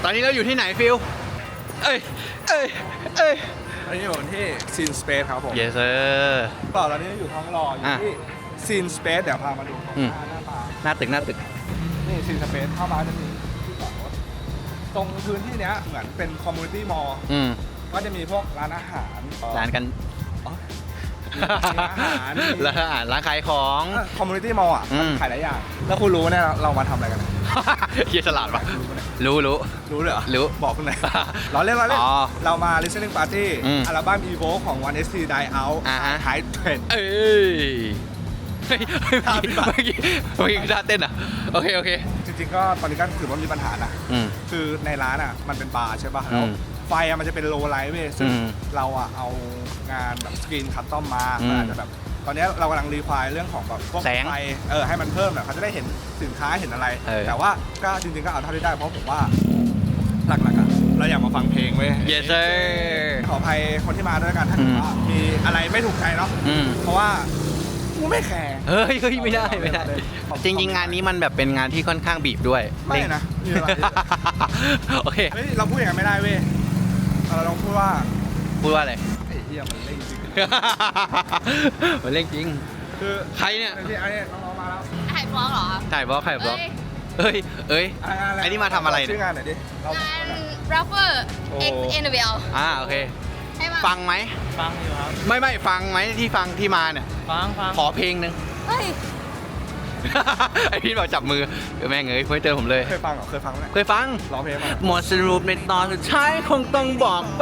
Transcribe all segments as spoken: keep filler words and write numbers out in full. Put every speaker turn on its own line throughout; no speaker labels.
อนนี้เราอยู่ที่ไหนฟิลเอ้ยเอ้ยเอ้ย
ตอนนี้อยู่ที่ซีนสเปซครับผม
yes sir
ต่อตอนนี้อยู่ท้องรออยู่ที่ซีนสเปซเดี๋ยวพามาดูตรงหน้าหน้าตา
หน้าตึกหน้าตึก
นี่ซีนสเปซเข้ามาจะมีที่จอดรถตรงพื้นที่เนี้ยเหมือนเป็นคอมมูนิตี้มอลล์ก็จะมีพวกร้านอาหาร
ร้านกัน
ร้านอาหาร
ร้านอาหารร้านขายของ
คอมมูนิตี้มอลล์อ่ะขายหลายอย่างแล้วคุณรู้เนี่ยเรามาทำอะไรกัน
เฮียฉลาดปะรู้รู้
รู้เลยเหรอ
รู้
บอกคุณหน่อยเราเล่นเราเล่นเรามา listening party อัลบั้ม Evo ของ วัน เอส ที Die Out ไฮเทรน
เอ้ยเฮ้ยเมื่อกี้เมื่อกี้ท่าเต้นอ่ะโอเคโอเค
จริงๆก็ตอนนี้ก็ถือว่ามีปัญหานะคือในร้านอ่ะมันเป็นบาร์ใช่ป่ะแล้วไฟมันจะเป็นโลไลท์เว้ยซึ่งเราอ่ะเอางานแบบสกรีนคัสตอมมาอาจจะแบบตอนนี้เรากำลังรีไฟล์เรื่องของแบบพวกไฟเออให้มันเพิ่มแบบเขาจะได้เห็นสินค้าเห็นอะไรแต่ว่าก็จริงๆก็เอาเท่าที่ได้เพราะผมว่าหลักๆอ่ะเราอยากมาฟังเพลงเว้ย
yes sir
ขออภัยคนที่มาด้วยกันถ้าเกิดว่ามีอะไรไม่ถูกใจเนาะเพราะว่ากูไม่แคร์
เฮ้ยเฮ้ยไม่ได้ไม่ได้จริงๆงานนี้มันแบบเป็นงานที่ค่อนข้างบีบด้วย
ไม่นะมีอะไร
โอเค
เฮ้ยเราพูดอย่างนั้นไม่ได้เว้ยเราต้องพูดว่า
พูดว่าอะไร
ไอ้เหี้ยมันเล่นจริง
มันเล่นจริง
คือ
ใครเนี่ย
ไอ้เนี่ยน้องๆมาแล้ว
ถ่ายบล็อกเหรอ
ถ่ายบล็อกถ่ายบล็อกเอ้ยเอ้ยไอ้นี่มาทำอะไรเนี่ย
ชื่องานไหนดิ
งาน rapper X เอ็น ดับเบิลยู
อ่าโอเคฟังไหม
ฟังอยู่ครับ
ไม่ไม่ฟังไหมที่ฟังที่มาเนี่ย
ฟังฟัง
ขอเพลงหนึ่ง
เฮ้ย
ไอพี่บอกจับมือแม่งเอ้ยเพื่อนเจอผมเลย
เคยฟังเหรอเคยฟังไหม
เคยฟัง
ร้องเพลงมา
หมดสรุปในตอนสุดท้ายคงต้องบอกไป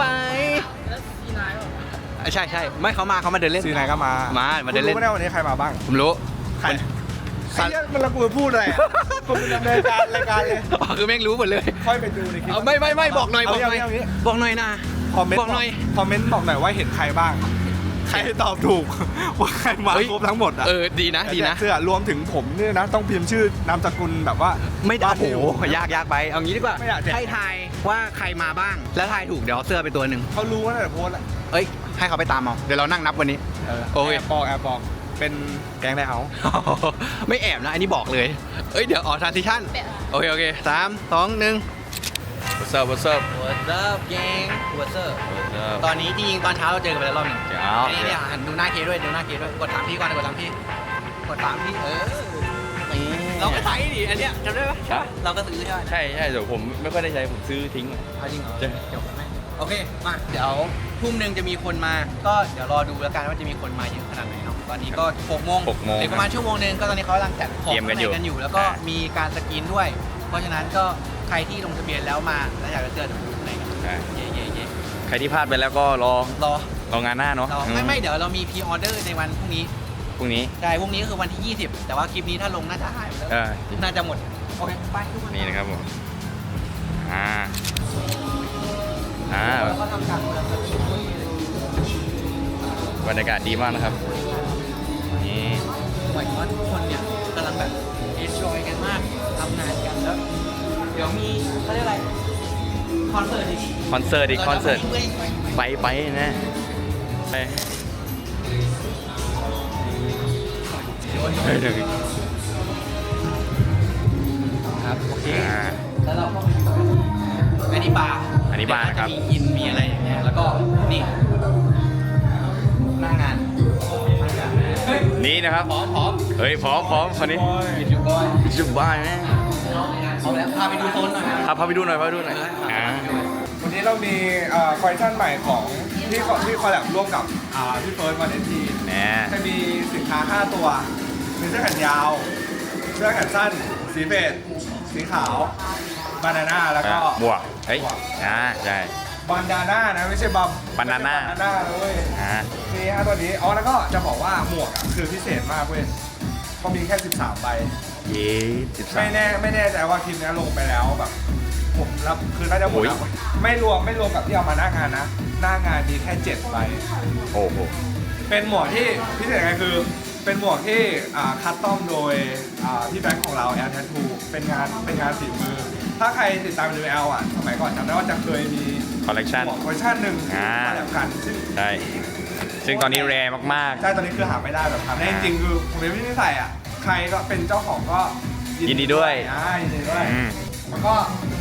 ใช่ใช่ไม่เขามาเขามาเดินเล่น
ซีนายก็มา
มามาเดินเล่น
รู้ไม่ได้วันนี้ใครมาบ้าง
ผมรู้
ใครไอ้เนี่ยมันละกูพูดอะไรผมเป็นดำเนินการรายการเลย
อ๋อคือแม่งรู้หมดเลย
ค่อยไปดูในคลิป
ไม่ไม่ไม่บอกหน่อยบอกหน่อยบอกหน่อยนะ
คอมเมนต์
บอกหน่อย
คอมเมนต์บอกหน่อยว่าเห็นใครบ้างใครตอบถูกว่าใครมาครบทั้งหมดอ่ะ
เออดีนะดีนะ
เสื้อรวมถึงผมเนี่ยนะต้องพิมพ์ชื่อนามสกุลแบบว่า
ไม่ได้โอ้โหยากยากไปเอางี้ดีกว่าให้ทายว่าใครมาบ้างแล้วทายถูกเดี๋ยวเสื้อไปตัวหนึ่ง
เขารู้ว่าแต่โพสอ่ะ
เอ้ยให้เขาไปตามเอาเดี๋ยวเรานั่งนับวันนี้
โอเคบอกแอบบอกเป็นแก๊งได้เขา
ไม่แอบนะอันนี้บอกเลยเอ้ยเดี๋ยวออกทรานซิชั่นโอเคโอเคสามสองหนึ่ง
What's up What's up
What's up แกง What's up ตอนนี้จริงๆตอนเช้าเราเจอกันไปแล้วรอบหนึ่งอันนี้เนี่ยดูหน้าเคด้วยดูหน้าเคด้วยกดถามพี่ก่อนกดถามพี่กดถามพี่เออเราก็ใช้ดิอันเนี้ยจำได้ปะเราก็ซื้อใช่ไหม
ใช่ใช่แต่ผมไม่ค่อยได้ใช้ผมซื้อทิ้ง
เอาจริงเหรอเดี๋ยวแม่โอเคมาเดี๋ยวทุ่มหนึ่งจะมีคนมาก็เดี๋ยวรอดูแล้วกันว่าจะมีคนมาเยอะขนาดไหนเนาะตอนนี้ก็หกโมงเดี๋ยวประมาณชั่วโมงนึงก็ตอนนี้เขากำลังจัดของกันอยู่แล้วก็มีการสกรีนด้วยเพราะฉะนั้นก็ใครที่ลงทะเบียนแล้วมาแล้วอยากจะเจอดูไหนกันเย่เย่เย่
ใครที่พลาดไปแล้วก็รอ
รอ
รองานหน้าเนาะ
ไม่ไม่เดี๋ยวเรามีพรีออเดอร์ในวันพรุ่งนี้
พรุ่งนี้
ใช่พรุ่งนี้ก็คือวันที่ยี่สิบแต่ว่าคลิปนี้ถ้าลงน่าจะหายไปแล้วน่าจะหมดโอเคไปทุกคน
นี่นะครับผมอ่าอ่าบรรยากาศดีมากนะครับนี่
หมายถึงว่าทุกคนเนี่ยกำลังแบบเอนจอยกันมากทำงานกันแล้วเดี๋ยวมีเขาเรียกอะไรคอนเสิร์ตอีก
คอนเสิร์ตอีกคอนเสิร์ตไปไปนะไป
ครับโอเคแล้วเราก็อันนี้บาร์
อันนี้บาร์ครับ
มีอินมีอะไรอย่างเงี้ยแล้วก็นี่หน้างาน
นี่นะครับ
พร้อมพร้อม
เฮ้ยพร้อมพร้อมคนนี้
จุบอย
จุบอยไหม
เอาแล้วพาไปดูโซนหน่อย
ครับพาไปดูหน่อยพาไปดูหน่อยอ่า
วันนี้เรามีคอลเลคชั่นใหม่ของที่ที่คอลแลบร่วมกับพี่เฟิร์สวันเอทีจะมีสินค้าห้าตัวมีเสื้อแขนยาวเสื้อแขนสั้นสีเฟดสีขาวบานาน่าแล้วก็
บวกเฮ้ยอ่าใช่
บานดาน่านะไม่ใช่บัม
บานาน่า
บานาน่าเลย
อ่า
นี่ฮะตัวนี้อ๋อแล้วก็จะบอกว่าหมวกคือพิเศษมากเว้ยเขามีแค่สิบสามใบ
เย้สิบสาม
ไม่แน่ไม่แน่ใจว่าคลิปนี้ลงไปแล้วแบบผมรับคือน่าจะหมดแล้วไม่รวมไม่รวมกับที่เอามาหน้างานนะหน้างานมีแค่เจ็ดใบ
โอ้โห
เป็นหมวกที่พิเศษไงคือเป็นหมวกที่คัสตอมโดยพี่แบงค์ของเราแอลแททูเป็นงานเป็นงานฝีมือถ้าใครติดตามดูแอลอ่ะสมัยก่อนจำได้ว่าจะเคยมี
คอลเลคชัน
คอลเลคชันหนึ่งมาแบบกันซึ่ง
ใช่ซึ่งตอนนี้แรร์มาก
ๆใช่ตอนนี้คือหาไม่ได้แบบทำได้จริงๆคือผมเป็นพี่นิสัยอ่ะใครก็เป็นเจ้าของก็
ยินดีด้วย
อ่ายินดีด้วยแล้วก็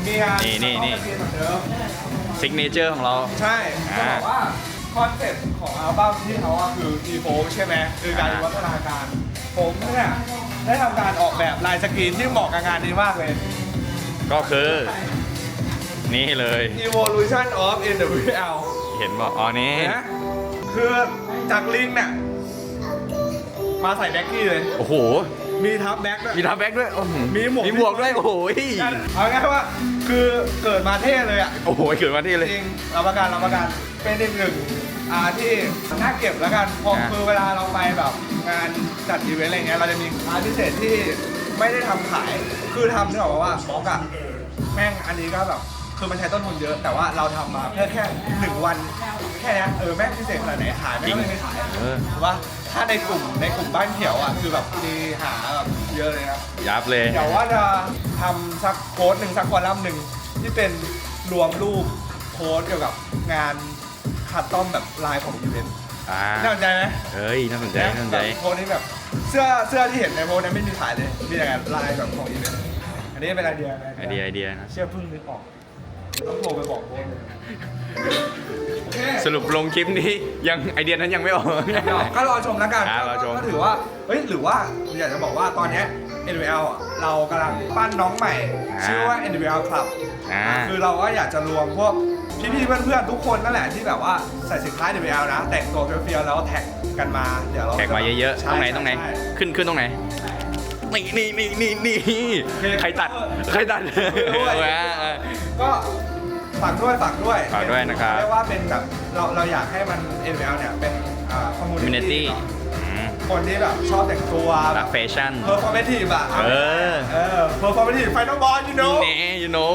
มีงาน
นี่นี่นี่
เหมือนเดิม
ซิกเนเจอร์ของเรา
ใช่จะ
อ่า
บอกว่าคอนเซ็ปต์ของอัลบั้มที่เขาอะคือ Evoke ใช่ไหมคือการ
อ่า
วิวัฒนาการ ผมเนี่ยได้ทำการออกแบบลายสกรีนที่เหมาะกับงานนี้มากเลย
ก็คือ นี่เลย
Evolution of เอ็น ดับเบิลยู แอล
เห็นบอกอ๋อนี่
เห็นไหมคือจากลิงเนี่ยมาใส่แบ็คกี้เลย
โอ้โห
มีทับแบ็คด้วย
มีทับแบ็กด้วยโอ้โ
มีหมวก
มีหมวกด้วย โอ้โห
เอาง่ายๆว่าคือเกิดมาเท่เลยอ่ะ
โอ้โหเกิดมาที่เลย
จริงรับประกันรับประกันเป็นอีกหนึ่งอ่าที่น่าเก็บแล้วกันเพราะ
อ่า
คือเวลาเราไปแบบงานจัดอีเวนต์อะไรเงี้ยเราจะมีอาร์ตพิเศษที่ไม่ได้ทำขายคือทำนึกออกปะว่าบล็อกอะแม่งอันนี้ก็แบบคือมันใช้ต้นทุนเยอะ แต่ว่าเราทำมาเพื่อแค่หนึ่งวันแค่เนี้ยเออแม่งพิเศษขนาดไหนขายไม่ต้องไม่ขาย
เออ
ถูกปะถ้าในกลุ่มในกลุ่มบ้านเขียวอ่ะคือแบบมีหาแบบเยอะเลยนะ
ยับเลย
เดี๋ยวว่าจะทำสักโพสต์หนึ่งสักคอลัมน์หนึ่งที่เป็นรวมรูปโพสต์เกี่ยวกับงานคัดต้อมแบบลายของอีเวนต์
อ่า
น่าสนใจไหม
เฮ้ย น่าสนใจ น่าสนใจ
แบบโพสต์นี้แบบเสื้อเสื้อที่เห็นในโพสต์นั้นไม่มีขายเลยมีแต่ลายแบบของอีเวนต์อันนี้เป็นไอเดีย
ไอเดีย ไอเดียนะ
เชื่อเพิ่งนึกออกต้องโทรไปบอกโพสต์เลยโอเค
สรุปลงคลิปนี้ยังไอเดียนั้นยังไม่ออก
ก็รอชมแล้วกัน
อ่ารอชม
ก็ถือว่า เฮ้ย หรือว่าอยากจะบอกว่าตอนเนี้ย เอ็น วี แอล อ่ะเรากำลังปั้นน้องใหม่ ชื่อว่า เอ็น วี แอล Club
อ่า
คือเราก็อยากจะรวมพวกพี่ๆเพื่อนๆทุกคนนั่นแหละที่แบบว่าใส่สินค้า เอ็น วี แอล นะ แต่งตัวเฟี้ยวๆแล้วแท็กกันมา เดี๋ยวเรา
แท็กมาเยอะๆ
ใช่
ตรงไหน ตรงไหน
ใช่
ขึ้น ขึ้นตรงไหน นี่นี่นี่นี่นี่ใครตัด ใครตัด
ด้วย
อ่าอ่า
ก็ฝากด้วยฝากด้วย
ฝากด้วยนะครับ
เรียกว่าเป็นแบบเราเราอยากให้มัน เอ็น วี แอล เนี่ยเป็นคอมมูนิ
community
ตี้
อืม
คนที่แบบชอบแต่งตัว
รักแฟชั่น
เพอร์ฟอร์แมทีฟอะ
เออ
เออเพอร์ฟอร์แมทีฟไฟนอลบอลยูโน่
นี่ you know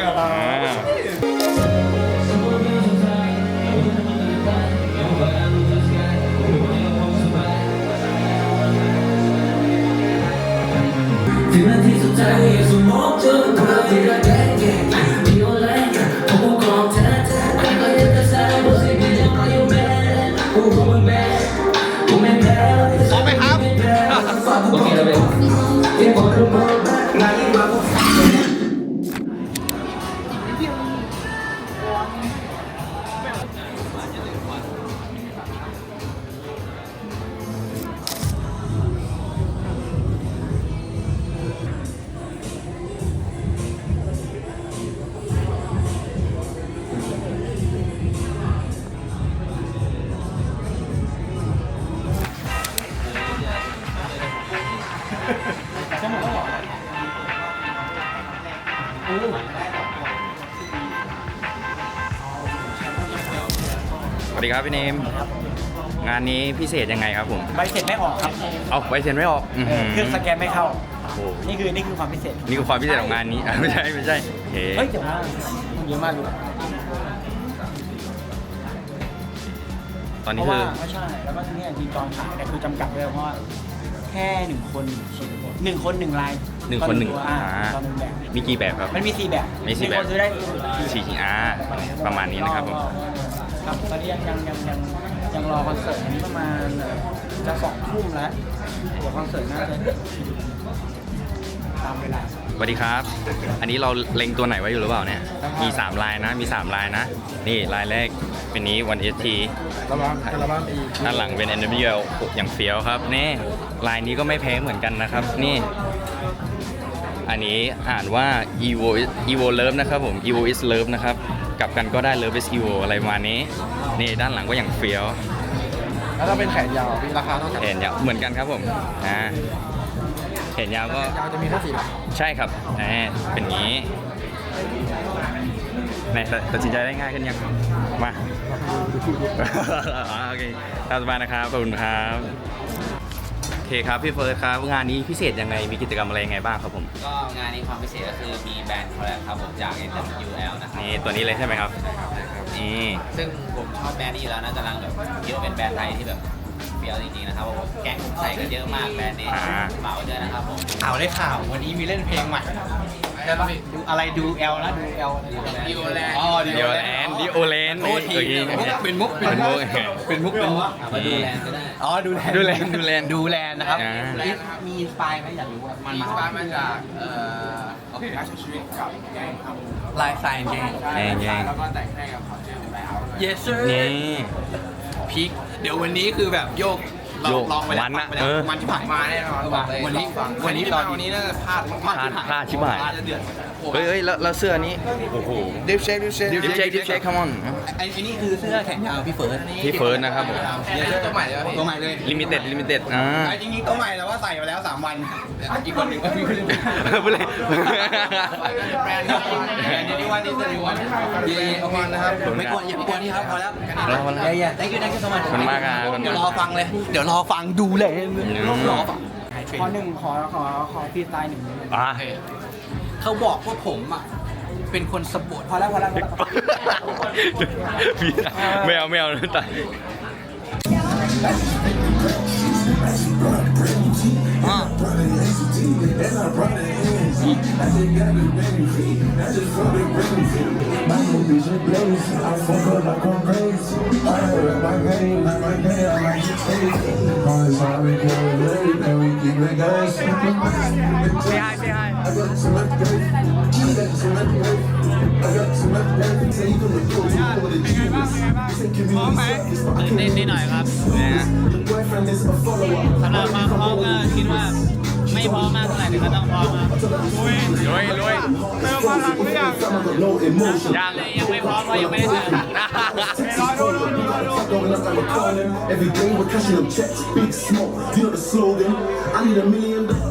ถึงนาทีสุดท้ายสมองเจอภาพที่ระแกงแกงมีโอไลน์ผมก็กรองแท้แท้ก็ยังจะใส่บทสิ่งที่ยังรออยู่แม่กูคงมึงแม่กูไม่แพ้พร้อมไหมครับโอเคแล้วเว้ยที่บอกรู้มั้ยงานนี้มาพวก
สวัสดีครับพี่เนม งานนี้พิเศษยังไงครับผม
ใบเสร็จไม่ออกครับ
เอาใบเซ็นไม่ออกอื้อ
เอ
หื
อเครื่องสแกนไม่เข้า
โอ้โห
นี่คือนี่คือความพิเศษ
นี่คือความพิเศษของงานนี้อ่ะไม่ใช่ไม่ใช่เฮ้
เฮ้ยแต่ว่ามันเยอะมากอยู่
ตอน
เพ
นี้
ราะ
คื
ว่า
อ
ไม่ใช่แล้วก็ที่นี่ทีจองขายเนี่ยคือจำกัดเลยเพราะว่าแค่หนึ่งคนหนึ่งชิ้นหนึ่งคนหนึ่งลาย
หนึ่งคนหนึ่ง
ต่อตัวอ่า
อ่า
ต่อหนึ่งแบบ
มีกี่แบบครับ
มันมีสี่แบบ
มีสี่แบบ
คนซื้อได้
สี่ชิ้นอ่าประมาณนี้นะครับผม
ครับตอนนี้ยังยังยังยังยังรอคอนเสิร์ตอันนี้ประมาณเอ่อจะสองทุ่มแล้วเดี๋ยวคอนเสิร์ตน่าจะตามเวลา
สวัสดีครับ อันนี้เราเล็งตัวไหนไว้อยู่หรือเปล่าเนี่ย มีสามลายนะ มีสามลายนะ นี่ลายแรกเป็นนี้ วัน เอส ที
ระวังระวังอีก
ด้านหลังเป็น เอ็น ดับเบิลยู แอล อย่างเฟี้ยวครับนี่ลายนี้ก็ไม่แพ้เหมือนกันนะครับ นี่ อันนี้อ่านว่า evo evo love นะครับผม evo is love นะครับ กลับกันก็ได้ love is evo อะไรประมาณนี้ นี่ด้านหลังก็อย่างเฟี้ยว
แล้วถ้าเป็นแขนยาวมีราคาเท่ากัน
แขนยาวเหมือนกันครับผมอ่าแขนยาวก็
ยาวจะมีแค่สี่หลัก
ใช่ครับแหมเป็นอย่างนี้ไหนตัดสินใจได้ง่ายขึ้นยัง มา อ๋อโอเคตามสบายนะครับ ขอบคุณครับ โอเคครับ พี่เฟิร์สครับ งานนี้พิเศษยังไง มีกิจกรรมอะไรยังไงบ้างครับผม
ก็งานนี้ความพิเศษก็คือมีแบรนด์คอลแลบครับผมจาก เอ็น ดับเบิลยู แอล นะครับ
นี่ตัวนี้เลยใช่ไหมครับ นี่
ซึ่งผมชอบแบรนด์นี้อยู่แล้วนะกำลังแบบคิดว่าเป็นแบรนด์ไทยที่แบบเฟี้ยวจริงๆนะครับผมแก๊งผมใส่กันเยอะมากแบรนด์นี้
อ่า
เหมาด้วยนะครับผม
ข่าวได้ข่าววันนี้มีเล่นเพลงใหม่ดูอะไรดูแอลนะดูแอล
ดิโอแลนด์
อ๋อ
ดิโอแลนด์ดิโอแลนด์
โทษที
โอเค
เป็นมุกเป็นมุกเป็นมุกเป็นมุก
เอามาดูแลนด์ก็ได้
อ๋อดูแลน
ดูแลนด์ดูแลนด์
ดูแลนด์นะครับ
อ่า
มีมีอินสปายไหมอยากรู้ว่ามัน
มีสปาร์มาจากเอ่อ
โอเคอาชีวิตกับแกงท
ลายสายแกง
แย่งแย่ง
แล้วก็แต่งให้กับคอนเทนต์ไลท์เอาท์
yes sir
นี่
พีคเดี๋ยววันนี้คือแบบโยกลอง
โยก
ลองไปแล้ว
มันอะ
ฟังไปแล้ว
เออ
มันที่ผ่าน
มาแน่นอน
บอกเลยวันนี้วันนี้ตอนวันนี้น่าจะพลาดมาก
พลาดพลาดชิบหาย
พลาดจะเดือด
เฮ้ยเฮ้ยแล้วแล้วเสื้อนี้ โอ้โห
ดิฟเช็คดิฟเช็ค
ดิฟเช็คดิฟเช็คคัมออน
ไอ้ไอ้นี่คือเสื้อแขนยาวพี่เฟิร์ส
พี่เฟิร์สนะครับผม
เดี๋ยวเสื้อตัวใหม่เลยป่ะพี่ตัวใหม่เลย
ลิมิเต็ดลิมิเต็ดอ่า
ไอ้จริงๆตัวใหม่แต่ว่าใส่มาแล้วสามวันอีกคนหนึ่งก็มีคนหนึ่ง
พูดเลย
แบรนด์เดี๋ยวนี้วันนี้เดี๋ยวนี้วันดีเอามานะครับไม่กลัวอย่าไปกลัวนี่ครับพอแล้ว
พอแล้วพอแล้ว
เย้ๆ thank you thank you so much
ขอบคุณมากครับ
เดี๋ยวรอฟังเลย เดี๋ยวรอฟังดูเลยรอฟัง
ขอหนึ่งขอขอขอฟรีสไตล์หนึ่ง
อ่า
เขาบอกว่าผมอ่ะเป็นคนสปอร์ต
พอแล้วพอแล้วพอแล้ว
ไม่เอาไม่เอาตาย
เล่นนิดหน่อยครับสำหรับความพร้อมก็คิดว่าไม่พร้อมมากเท่าไหร่แต่ก็ต้องพร้อมครับ
รวยรวย
เติมพลังหรือยัง
ยัง
ยังไม่พร้อมเพราะยังไม่ได้เจอ
รอดูรอดูรอดู
Every day we're cashing them checks, big smoke. You know the slogan. I need a million dollars.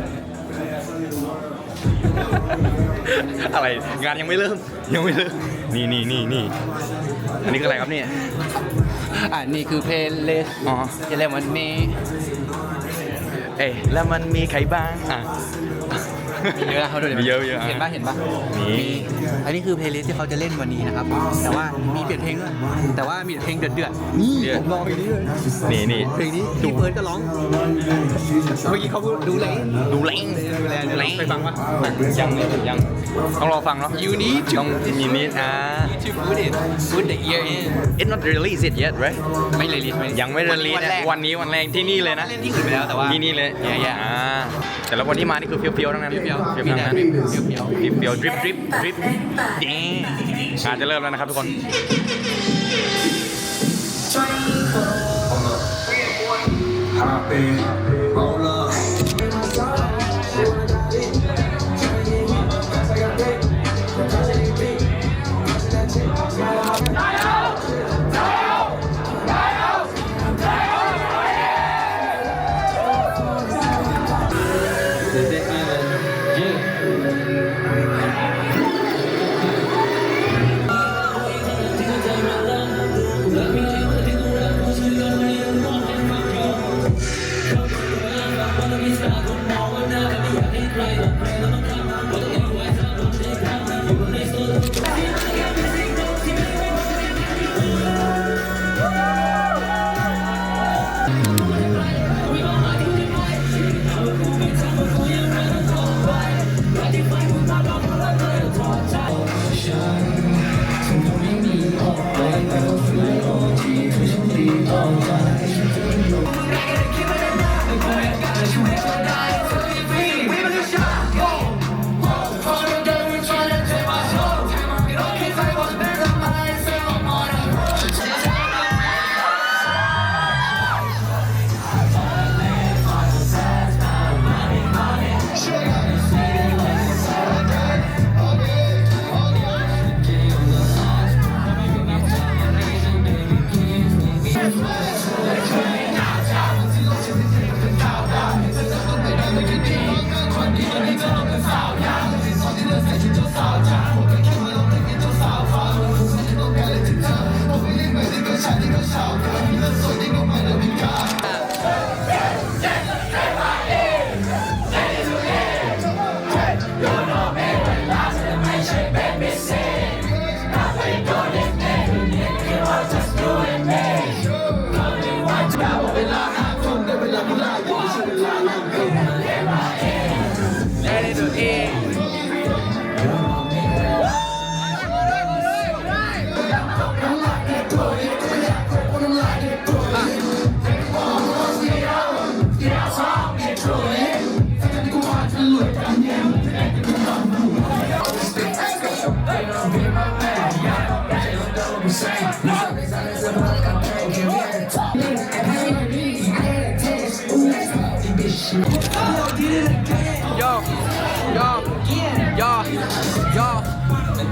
อะไรงานยังไม่เริ่มยังไม่เริ่มนี่นี่นี่นี่อันนี้คืออะไรครับเนี่ย
อ่านี่คือเพลย์ลิสต์
อ๋อ
จะเรียกวันนี้
เอ้ยแล้วมันมีใครบ้างอ่ะ
มีเยอะนะเขาดูดิ
มีเยอะเยอะ
เห็นป่ะเห็นป่ะ
มี
อันนี้คือเพลย์ลิสต์ที่เขาจะเล่นวันนี้นะครับ แต่ว่ามีเปลี่ยนเพลงด้วยแต่ว่ามีเพลงเดือดๆนี่ผมรอเพลงนี้เลย
นี่นี่
เพลงนี้พี่เฟิร์สก็ร้องเมื่อกี้เขาดูแล
ดูแรง
ดูแลดูแลไปฟังปะ
ยังยังต้องรอฟังเนาะ
You need to
ต้องมีนิดอ่า
to put it put the ear in
It's not released it yet right
ไม่เลยลิสต์
ยังไม่ release นะวันนี้วันแรกที่นี่เลยนะ
เล่นที่อื่นไปแล้วแต่ว่า
ที่นี่เลย
แย่
อ่าแต่ละคนที่มานี่คือเฟี้ยวๆทั้งนั้น
ๆเปรี้ยวๆ
เฟี้ยว
มี
ๆทั้
แต่
งนั้น
เปรี้ยวๆ
เฟี้ยวๆดริปดริปดริปดีงานจะเริ่มแล้วนะครับทุกคน
Hop in, roll up.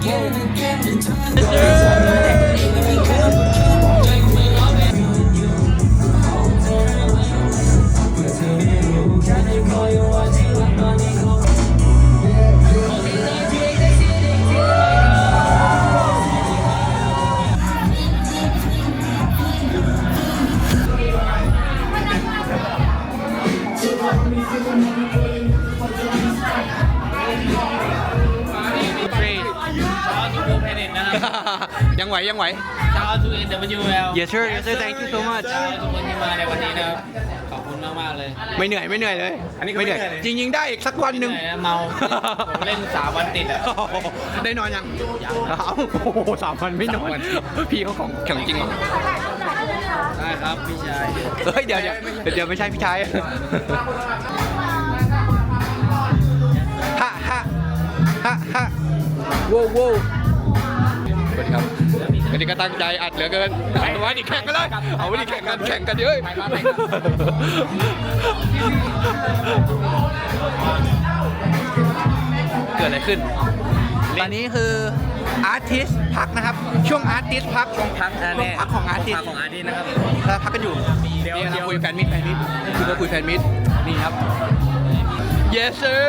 ยังไหวยังไหว
ชาวทูเอ็นเดบิวเอล
Yes sir Yes sir Thank you so much
ทุกคนที่มาในวันนี้นะครับขอบคุณมากมากๆเลย
ไม่เหนื่อยไม่เหนื่อยเลย
อันนี้ก็
ไม่
ไม่
เหนื่อย
เหนื่อยเลย
จริงๆได้อีกสักวันหนึ่ง
เหนื่อยนะเมาผมเล่นสามวันติดอ่ะ
ได้นอนยังเอ้าโอ้โหสามวันไม่นอน พี่เขาของแข็งจริงเหรอ
ได้ครับพี่ชาย
เฮ้ยเดี๋ยวเดี๋ยวเดี๋ยวไม่ใช่พี่ชายฮะฮะฮะฮะโว้วโว้วสวัสดีครับวันนี้ก็ตั้งใจอัดเหลือเกินเอาไว้ดิแข่งกันเลยเอาไว้ดิแข่งกันแข่งกันเยอะเกิดอะไรขึ้น ตอนนี้คืออาร์ติสพักนะครับ ช่วงอาร์ติสพักช่วงพักช่วงพักของอาร์ติส
ของอาร์ตี้นะครับ
เราพักกันอยู่ เดี๋ยวเราคุยแฟนมิตรแฟนมิตรคือเราคุยแฟนมิตรนี่ครับ yes sir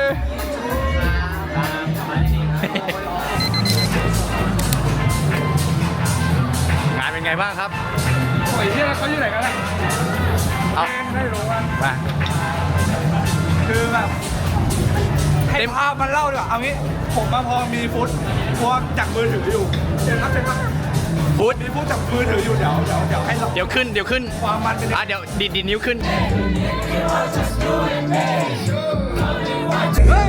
งานเป็นไงบ้างครับ
โอ้ยที่เขาอยู่ไหนกันล่ะ
เอา
ไม่รู้ว่า
มา
คือแบบให้ภาพมันเล่าดีกว่าเอางี้ผมมาพอมีฟุตพวกจากมือถืออยู่เชิญครับเชิญครับ
ฟุต
มีฟุตจากมือถืออยู่เดี๋ยวเดี๋ยวเดี๋ยวให้เรา
เดี๋ยวขึ้นเดี๋ยวขึ้น
ความมันเป็น
อ่ะเดี๋ยวดีดดีดนิ้วขึ้น
เฮ้ย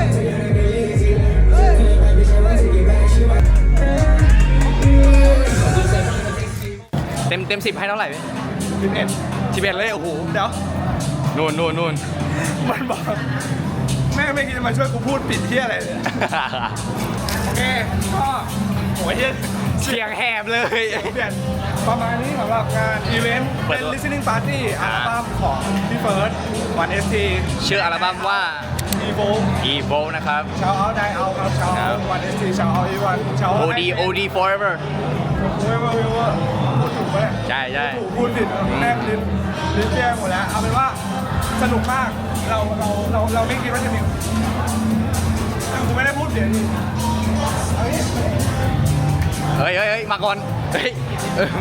เต็มเต็มสิบให้เท่าไหร่
สิบเอ็ด
สิบเอ็ดเลยโอ้โห
เดี๋ยว
นู่นนู่นนู่น
มันบอกแม่ไม่คิดจะมาช่วยกูพูดปิดที่อะไรเลยโอเคก็โอ้ยเหี้ย
เสียงแหบเลย
เปลี่ยนประมาณนี้สำหรับงานอีเวนต์
เปิ
เป็
ด
น
ตัว
listening party อัลบั้มของพี่เฟิร์สวันเอสที
ชื่ออัลบั้มว่า
อีโว
Evo นะครับ
ชาวเอาไดเอาครับชาว
ครั
เอา
บ
วันเอสทีชาวเอาอีวันชาว
โอ ดี โอ ดี forever
เว้ยเว้ยเว้ยพูดถูกปะเนี่ย
ใช่ใช่
ถูกพูดผิดแม่งลิ้นลิ้นแย่หมดแล้วเอาเป็นว่าสนุกมากเราเราเราเราไม่คิดว่าจะมีกูไม่ได้พูดเสียงดิเอางี้
เฮ้ยเฮ้ยเฮ้ยมาก่อน เฮ้ยเออมา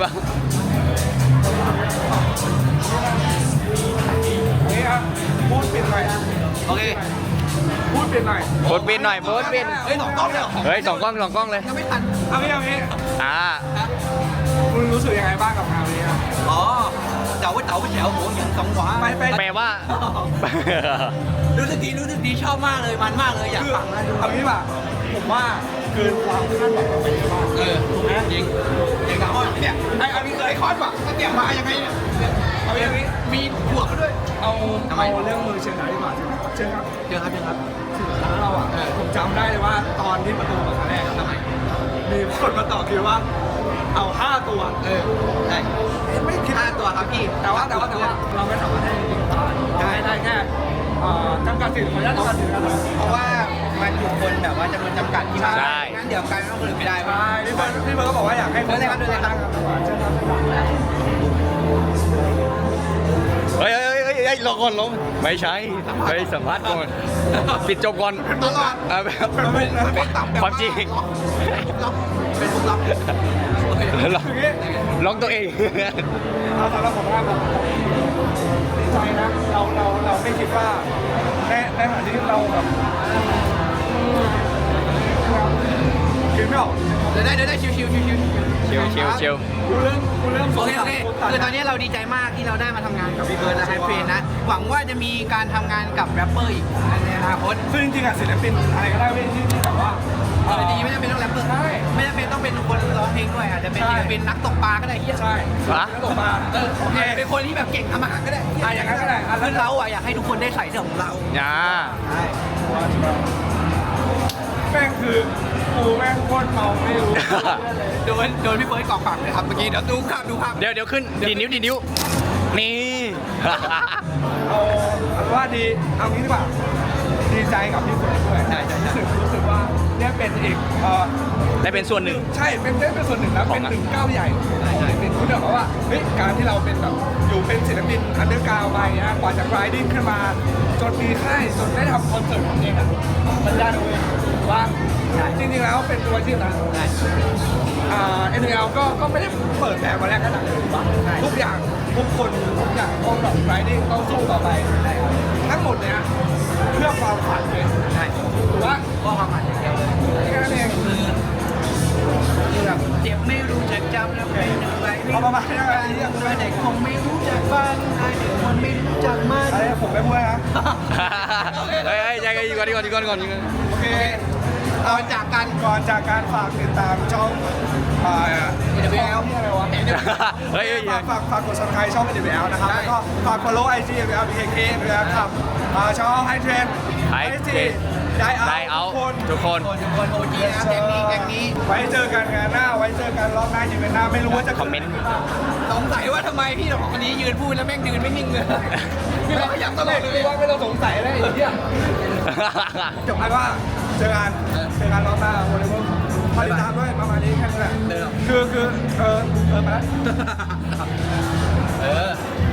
นี่ครับพูดปิดหน่อย
โอเค
พูดปิดหน่อย
โพสต์ปินหน่อยโพสต์ปิน
เฮ้ยสองกล้องเลยเหรอ
เฮ้ยสองกล้องสองกล้องเลย
ยังไม่ทันเอางี้เอางี้
อ่า
มึงรู้สึกยังไงบ้างกับงานนี้ครับ
อ๋อเจ้าเจ้าเจ้าหัวยังสองหวา
ไปไป
แปลว่า รู้สึกดีรู้สึกดีชอบมากเลยมันมากเลยอยาก
คือ
ฟังนะดู
เอางี้ป่ะผมว่าเกินความคาดหวังเราไปเยอะมาก
เออถูกไหมจริงจริงกับอ้อนเนี่ยไอ้เอาพี่เคยคอนป่ะก็เตรียมมายังไงเนี่ย
เอาอย่างนี้
มีบวกมาด้วย
เอา
ทำไม
เอาเรื่องมือเชียงรายดีกว่าเชิญครับ
เจอครับเจอครับ
ร้านเราอ่ะผมจำได้เลยว่าตอนที่ประตูเปิดครั้งแรกอะ
ทำไม
มีคนมาต่อคิวว่าเอาห้าตัว
เออได้
ไม่คิด
ห้าตัวครับพี่
แต่ว่าแต่ว่าแต่ว่าเราไม่สามารถให้ได้ได้แค่เอ่อจำกัดสิทธิ์ขออนุญาตจำกัดสิทธิ์นะครับ
เพราะว่ามันอยู่คนแบบว่าจำนวนจำกัดที่มา
ใช่
งั้นเดี๋ยวการต้องคนอื่นไม่ได้
ใช่พี่เบิร์ดพี่เบิร์ดก็บอกว่าอยากให้
เดินเลยครับเดินเลยครับ
เชิญครับ
เฮ้ยเฮ้ยเฮ้ยเฮ้ยรอก่อนลงไม่ใช่ไปสัมภาษณ์ก่อนปิดจบก่อนตลอดเออแบบความจริงเป็นพวกลับลอง
คืออย่างงี้
ลองตัวเอง
เอาสำหรับผมว่าผมดีใจนะเราเราเราไม่คิดว่าในในขณะที่เราแบบคิดไม่ออก
เดินได้เดินได้ชิวชิวชิวชิว
ชิวชิวชิว
กูเริ่มกูเริ่ม
โอเคโอเคคือตอนนี้เราดีใจมากที่เราได้มาทำงานกับพี่เบิร์ดและไฮเฟรนนะหวังว่าจะมีการทำงานกับแรปเปอร์อีกในอนาคต
ซึ่งจริงๆอะศิลปินอะไรก็ได้เว้ยที่ที่แบบว่า
เออจริงๆไม่จำเป็นต้องแรปเปอร์
ใช่
ไม่จำเป็นต้องเป็นคนร้องเพลงด้วยอาจจะเป็น
ใช่
ศิลปินนักตกปลาก็ได้เฮีย
ใช่
ฮะ
แล้วตกมา
เออ
โอเค
เป็นคนที่แบบเก่งทำอาหารก็ได้
อ่ะอย่างนั้นก็ได้อ่ะแล้ว
คือเราอ่ะอยากให้ทุกคนได้ใส่เสื้อของเรา
อ่า
ใช่
แม่งคือกูแม่งโคตรเมาไม่รู้
โดนโดนพี่เฟิร์สกอกปากเลยครับเมื่อกี้เดี๋ยวดูภาพดูภาพ
เดี๋ยวเดี๋ยวขึ้นดีดนิ้วดีดนิ้ว นี่
เอาเอาว่าดีเอางี้ดีกว่าดีใจกับพี่เฟิร์สด้วย
ใช่ใช่ใช่
รู้สึกรู้สึกว่าเนี่ยเป็นอีกเอ่อ
ได้เป็นส่วนหนึ่ง
ใช่เป็นได้เป็นส่วนหนึ่งนะ
ขอ
เป็
ง
น
อะ
หนึ่งก้าวใหญ่ใช่เป็นคุณแบบว่าเฮ้ยการที่เราเป็นแบบอยู่เป็นศิลปินอันเดอร์กราวด์ไปนะกว่าจะ grinding ขึ้นมาจนมีค่ายจนได้ทำคอนเสิร์ตของเองอ่ะมันยากนะเว้ยว่าจริงๆแล้วเป็นตัวที่นะอ่า เอ็น แอล ก็ก็ไม่ได้เปิดแบบมาแรกขนาดนั้นถูกปะทุกอย่างทุกคนทุกอย่างต้องแบบ grinding ต้องสู้ต่อไปทั้งหมดเนี้ยเพื่อความฝันเลยใช่ถูกปะ
ก็ความหมายอย่างเดียวเลย
แค่นั้นเอง
คือแบบเจ็บไม่รู้จักจำแล้วเป็นอะไร
เอาประมาณนี้อะไรที่อยาก
เด็กคงไม่รู้จักฟังไอเด็กคนไม่รู้จักมัน
อะไรผมไม่พูดนะ
เฮ้ยเฮ้ยใจกันดีก่อนดีก่อนดีก่อนดีก่อนดีก่อน
โอเค
เอาจากกัน
ก่อนจากการฝากติดตามช่องอ่า
เอ็น ดับเบิลยู แอล
นี่อะไรวะ
เฮ้ยเฮ้ย
ฝากฝากฝากกด subscribe ช่อง เอ็น ดับเบิลยู แอล นะครับ แล้วก็ฝาก follow ไอ จี เอ็น ดับเบิลยู แอล พี เค เค ด้วยนะครับอ่าช่องไฮเทรน
High Trend
ได้เอา
ได้เอา
ทุกคน
ทุกคน
คนทุกคนโอจีนะแก๊งนี้แก๊งนี้
ไว้เจอกันงานหน้า ไว้เจอกันรอบหน้าอยู่กันหน้า ไม่รู้ว่าจะ
คอมเมนต์
สงสัยว่าทำไมพี่ของคนนี้ยืนพูดแล้วแม่งยืนไม่นิ่งเลยพี่เราขยับตลอดเลย
ว่าไม่ต้องสงสัยเลยไอ้เหี้ยจบกันว่าเจอกันเจอกันรอบหน้าวันนี้พอติดตามด้วยประมาณนี้แค่นี้แหละ
เดิน
คือคือเออเออมาแล้ว
เออ